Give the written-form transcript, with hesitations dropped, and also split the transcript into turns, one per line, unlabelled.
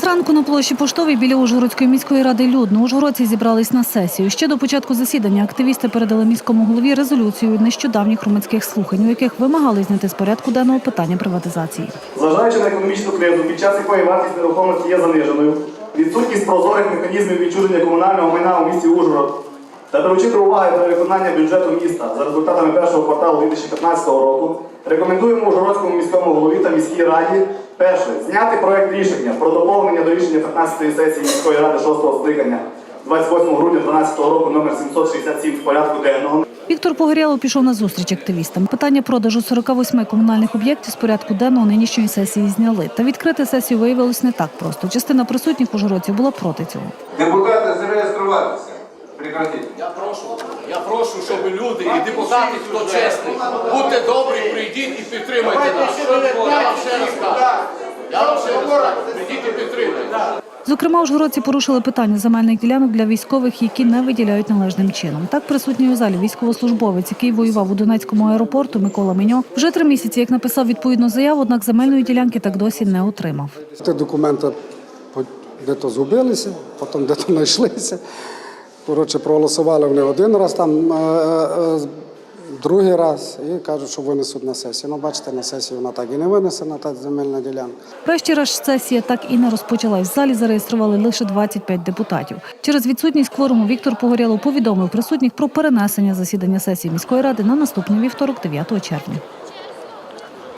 Зранку на площі Поштовій біля Ужгородської міської ради людно. Ужгородці зібрались на сесію. Ще до початку засідання активісти передали міському голові резолюцію нещодавніх громадських слухань, у яких вимагали зняти з порядку денного питання приватизації.
Зважаючи на економічну кризу, під час якої вартість нерухомості є заниженою, відсутність прозорих механізмів відчуження комунального майна у місті Ужгород та беручи до уваги перевиконання бюджету міста за результатами першого кварталу 2015 року, рекомендуємо Ужгородському міському голові та міській раді перше – зняти проект рішення про доповнення до рішення 15-ї сесії міської ради 6-го скликання 28 грудня 2012 року номер 767 з порядку денного.
Віктор Погорєлов пішов на зустріч активістам. Питання продажу 48 комунальних об'єктів з порядку денного нинішньої сесії зняли. Та відкрити сесію виявилось не так просто. Частина присутніх ужгородців була проти цього.
Депутати, зареєструватися. Прекратіть.
Я прошу, щоб люди і депутати, хто чесний, будьте добрі, прийдіть і підтримайте нас. Я вам ще раз кажу. Прийдіть і підтримайте.
Зокрема, ужгородці порушили питання земельних ділянок для військових, які не виділяють належним чином. Так, присутній у залі військовослужбовець, який воював у Донецькому аеропорту, Микола Меньо, вже 3 місяці, як написав відповідну заяву, однак земельної ділянки так досі не отримав.
Ті документи де-то згубилися, потім де-то знайшлися. Коротше, проголосували вони один раз, другий раз, і кажуть, що винесуть на сесію. Ну, бачите, на сесію вона так і не винесена, та земельна ділянка.
Врешті-решт сесія так і не розпочалась. В залі зареєстрували лише 25 депутатів. Через відсутність кворуму Віктор Погорєлов повідомив присутніх про перенесення засідання сесії міської ради на наступний вівторок, 9 червня.